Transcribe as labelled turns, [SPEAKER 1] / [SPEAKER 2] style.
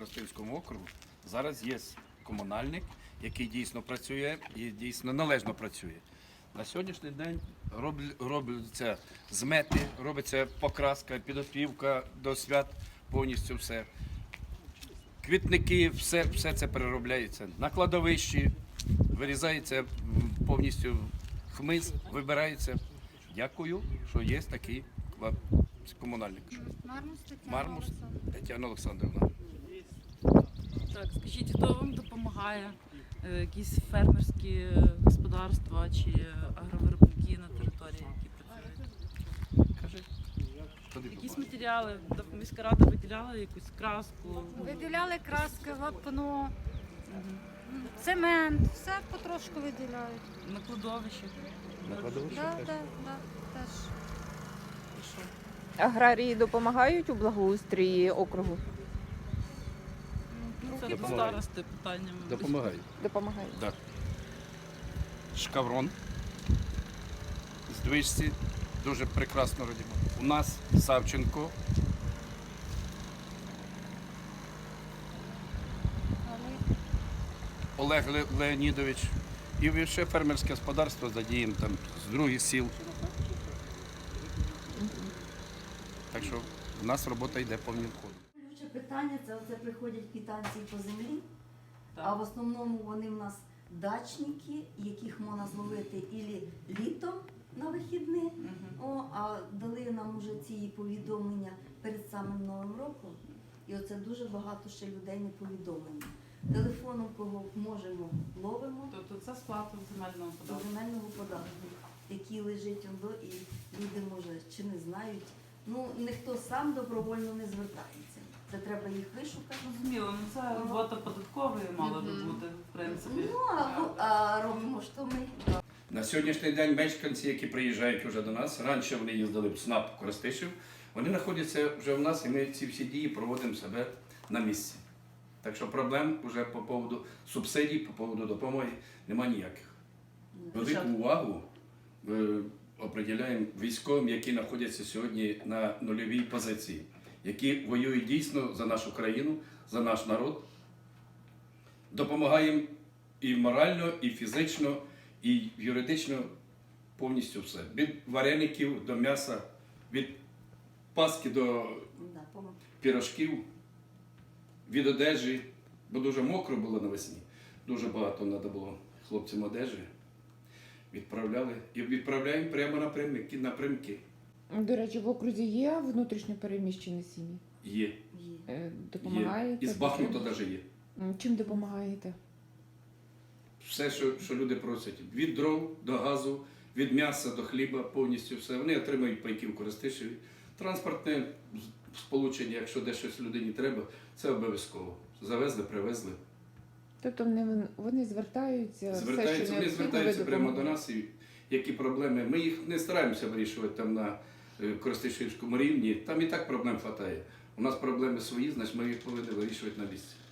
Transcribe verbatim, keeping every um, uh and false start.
[SPEAKER 1] Коростенському округу зараз є комунальник, який дійсно працює і дійсно належно працює. На сьогоднішній день робляться змети, робиться покраска, підопівка до свят, повністю все. Квітники, все, все це переробляється. На кладовищі вирізається повністю хмиз, вибирається. Дякую, що є такий комунальник.
[SPEAKER 2] Мармус Тетяна
[SPEAKER 1] Мармус
[SPEAKER 2] Олександрівна.
[SPEAKER 1] Тетяна Олександрівна.
[SPEAKER 3] Так, скажіть, хто вам допомагає? Е, Якісь фермерські господарства чи агровиробники на території, які працюють?
[SPEAKER 1] Кажи. Куди
[SPEAKER 3] Якісь
[SPEAKER 1] попали?
[SPEAKER 3] матеріали? До- Міська рада виділяла якусь краску?
[SPEAKER 2] Виділяли краски, вапно, цемент, все потрошку виділяють.
[SPEAKER 3] На кладовищі?
[SPEAKER 1] На кладовищі
[SPEAKER 2] Да,
[SPEAKER 1] теж.
[SPEAKER 2] да, да, теж.
[SPEAKER 4] Аграрії допомагають у благоустрої округу?
[SPEAKER 3] Ну, це до
[SPEAKER 1] Допомагають.
[SPEAKER 3] старости питання. мабуть.
[SPEAKER 1] Допомагають.
[SPEAKER 4] Допомагають.
[SPEAKER 1] Да. Шкаврон з движці дуже прекрасно робимо. У нас Савченко, Олег Ле- Леонідович і ще фермерське господарство задіємо там з других сіл. Так що в нас робота йде повним ходом.
[SPEAKER 5] Ключе питання це оце приходять квитанції по землі,
[SPEAKER 3] Так.
[SPEAKER 5] а в основному вони в нас дачники, яких можна зловити ілі літом на вихідні,
[SPEAKER 3] Мгм.
[SPEAKER 5] о, а дали нам уже ці повідомлення перед самим Новим роком. І оце дуже багато ще людей не повідомлені. Телефоном кого можемо, ловимо
[SPEAKER 3] Тобто це сплата земельного
[SPEAKER 5] до
[SPEAKER 3] податку?
[SPEAKER 5] земельного податку, який лежить ондо, і люди, може, чи не знають. Ну, ніхто сам добровольно не звертається. Це треба їх вишукати.
[SPEAKER 3] Зрозуміло, ну це робота податкової мала би бути, в принципі.
[SPEAKER 5] Ну, а, а робимо що ми.
[SPEAKER 1] На сьогоднішній день мешканці, які приїжджають вже до нас, раніше вони їздили в СНАП Коростишів, вони знаходяться вже в нас і ми ці всі дії проводимо себе на місці. Так що проблем вже по поводу субсидій, по поводу допомоги немає ніяких. Велику увагу е, определяємо військовим, які знаходяться сьогодні на нульовій позиції, які воюють дійсно за нашу країну, за наш народ. Допомагаємо і морально, і фізично, і юридично повністю все. Від вареників до м'яса, від паски до
[SPEAKER 5] Да, пом-
[SPEAKER 1] пірожків, від одежі, бо дуже мокро було навесні. Дуже багато треба було хлопцям одежі. Відправляли і відправляємо прямо напрямки. напрямки.
[SPEAKER 4] До речі, в окрузі є внутрішньо переміщені сім'ї?
[SPEAKER 1] Є,
[SPEAKER 5] є.
[SPEAKER 4] Е,
[SPEAKER 1] є.
[SPEAKER 4] Допомагаєте?
[SPEAKER 1] І з Бахмута навіть є.
[SPEAKER 4] М, Чим допомагаєте?
[SPEAKER 1] Все, що, що люди просять. Від дров до газу, від м'яса до хліба, повністю все. Вони отримують пайки в Коростишеві. Транспортне сполучення, якщо де щось людині треба, це обов'язково. Завезли, привезли.
[SPEAKER 4] Тобто вони, вони звертаються, все,
[SPEAKER 1] Звертаються,
[SPEAKER 4] що
[SPEAKER 1] вони
[SPEAKER 4] необхідно,
[SPEAKER 1] звертаються
[SPEAKER 4] ви
[SPEAKER 1] прямо до
[SPEAKER 4] допомагаєте?
[SPEAKER 1] нас, і які проблеми. Ми їх не стараємося вирішувати там на е, Коростишівському рівні. Там і так проблем вистачає. У нас проблеми свої, значить ми їх повинні вирішувати на місці.